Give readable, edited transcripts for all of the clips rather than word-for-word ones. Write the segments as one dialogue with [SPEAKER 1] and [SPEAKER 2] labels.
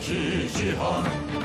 [SPEAKER 1] iki cihan.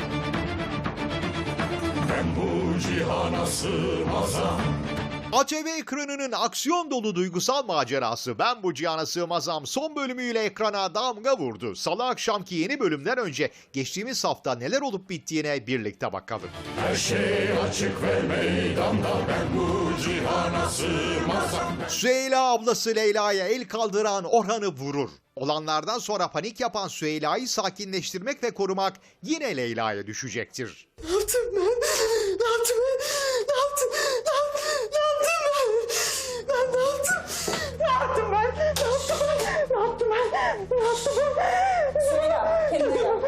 [SPEAKER 1] Ben bu cihana sığmazam.
[SPEAKER 2] ATV ekranının aksiyon dolu duygusal macerası Ben Bu Cihana Sığmazam son bölümüyle ekrana damga vurdu. Salı akşamki yeni bölümden önce geçtiğimiz hafta neler olup bittiğine birlikte bakalım.
[SPEAKER 1] Her şey açık ve meydanda. Ben bu cihana sığmazam.
[SPEAKER 2] Süheyla ablası Leyla'ya el kaldıran Orhan'ı vurur. Olanlardan sonra panik yapan Süheyla'yı sakinleştirmek ve korumak yine Leyla'ya düşecektir.
[SPEAKER 3] Ne yaptım ben? Ne yaptım ben? Ne yaptım? Ne yaptım ben? Ben ne yaptım? Ne yaptım ben? Ne yaptım ben? Ne yaptım ben? Ne yaptım ben?
[SPEAKER 4] Söyle, kendine gel.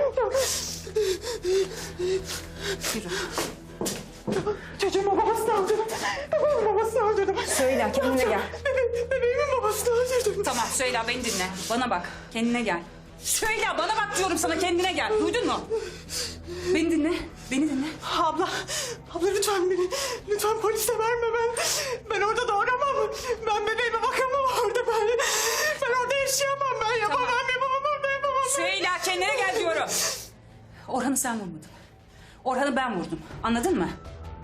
[SPEAKER 3] Çocuğumun babasını öldürdüm. Bebeğimin babasını öldürdüm.
[SPEAKER 4] Söyle, kendine gel.
[SPEAKER 3] Bebeğimin babasını öldürdüm.
[SPEAKER 4] Tamam Söyle, beni dinle. Bana bak, kendine gel. Söyle, bana bak diyorum sana, kendine gel. Duydun mu? Beni dinle, beni dinle.
[SPEAKER 3] Abla lütfen beni, lütfen polise verme ben orada doğuramam. Ben bebeğime bakamam orada ben orada yaşayamam ben yapamam orada yapamam.
[SPEAKER 4] Söyle, kendine gel diyorum. Orhan'ı sen vurmadın. Orhan'ı ben vurdum, anladın mı?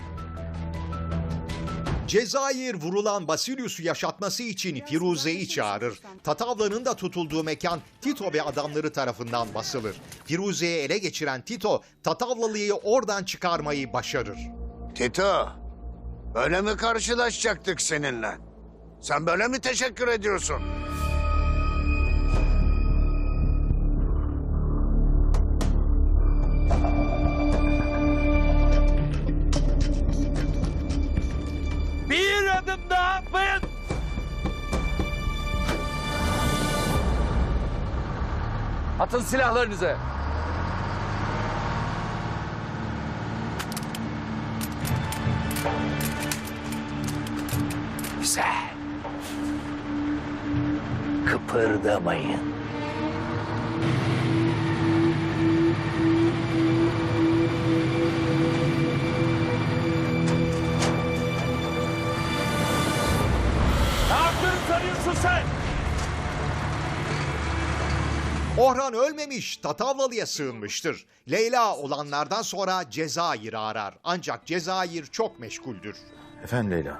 [SPEAKER 2] Cezayir vurulan Basilius'u yaşatması için Firuze'yi çağırır. Tatavla'nın da tutulduğu mekan Tito ve adamları tarafından basılır. Firuze'yi ele geçiren Tito, Tatavlalı'yı oradan çıkarmayı başarır.
[SPEAKER 5] Tito, böyle mi karşılaşacaktık seninle? Sen böyle mi teşekkür ediyorsun?
[SPEAKER 6] Bir adım daha atmayın. Atın silahlarınızı. Güzel. Kıpırdamayın. Ne yaptığını sanıyorsun sen?
[SPEAKER 2] Orhan ölmemiş, Tatavlalı'ya sığınmıştır. Leyla olanlardan sonra Cezayir'i arar. Ancak Cezayir çok meşguldür.
[SPEAKER 7] Efendim Leyla.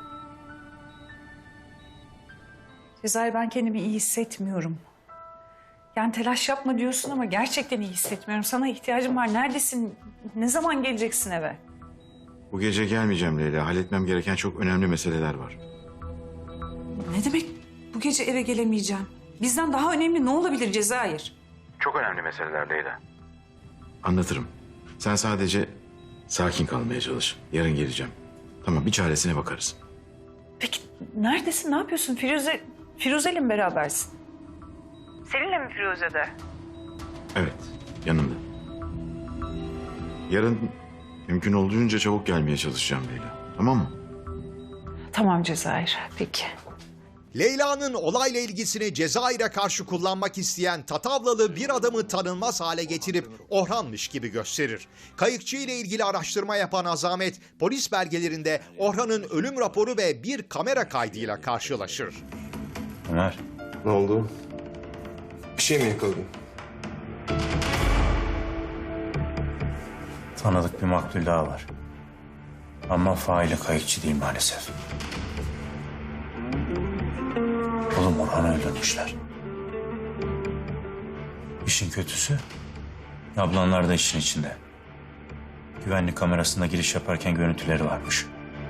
[SPEAKER 8] Cezayir, ben kendimi iyi hissetmiyorum. Yani telaş yapma diyorsun ama gerçekten iyi hissetmiyorum. Sana ihtiyacım var. Neredesin? Ne zaman geleceksin eve?
[SPEAKER 7] Bu gece gelmeyeceğim Leyla. Halletmem gereken çok önemli meseleler var.
[SPEAKER 8] Ne demek bu gece eve gelemeyeceğim? Bizden daha önemli ne olabilir Cezayir?
[SPEAKER 7] Çok önemli meseleler Leyla. Anlatırım. Sen sadece sakin kalmaya çalış. Yarın geleceğim. Tamam, bir çaresine bakarız.
[SPEAKER 8] Peki neredesin? Ne yapıyorsun? Firuze'yle mi berabersin? Seninle mi Firuze'de?
[SPEAKER 7] Evet, yanımda. Yarın mümkün olduğunca çabuk gelmeye çalışacağım Leyla. Tamam mı?
[SPEAKER 8] Tamam Cezayir, peki.
[SPEAKER 2] Leyla'nın olayla ilgisini Cezayir'e karşı kullanmak isteyen Tatavlalı bir adamı tanınmaz hale getirip Orhan'mış gibi gösterir. Kayıkçı ile ilgili araştırma yapan Azamet, polis belgelerinde Orhan'ın ölüm raporu ve bir kamera kaydıyla karşılaşır.
[SPEAKER 7] Ömer.
[SPEAKER 9] Ne oldu? Bir şey mi yakaladın?
[SPEAKER 10] Tanıdık bir maktul daha var. Ama faili kayıkçı değil maalesef. Oğlum Orhan'ı öldürmüşler. İşin kötüsü, ablanlar da işin içinde. Güvenlik kamerasında giriş yaparken görüntüleri varmış.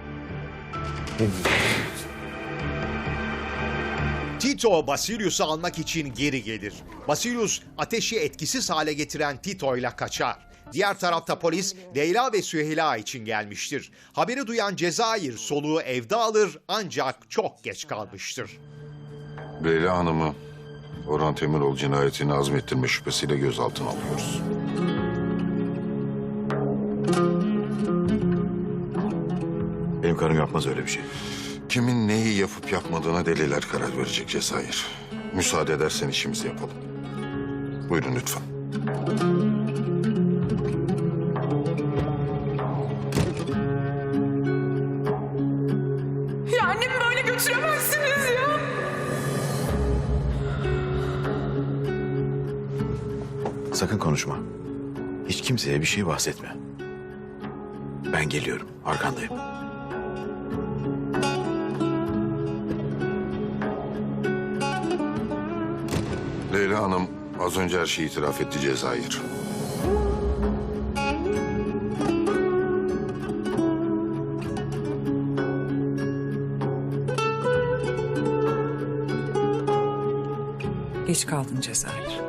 [SPEAKER 2] Tito Basilius'u almak için geri gelir. Basilius ateşi etkisiz hale getiren Tito'yla kaçar. Diğer tarafta polis Leyla ve Süheyla için gelmiştir. Haberi duyan Cezayir soluğu evde alır ancak çok geç kalmıştır.
[SPEAKER 11] Leyla Hanım'ı Orhan Temiroğlu cinayetini azmettirme şüphesiyle gözaltına alıyoruz.
[SPEAKER 7] Benim karım yapmaz öyle bir şey.
[SPEAKER 11] Kimin neyi yapıp yapmadığına deliler karar verecek Cezayir. Müsaade edersen işimizi yapalım. Buyurun lütfen.
[SPEAKER 3] Ya annemi böyle götüremezsiniz ya.
[SPEAKER 7] Sakın konuşma. Hiç kimseye bir şey bahsetme. Ben geliyorum, arkandayım.
[SPEAKER 11] Leyla Hanım az önce her şeyi itiraf etti Cezayir.
[SPEAKER 8] Geç kaldın Cezayir.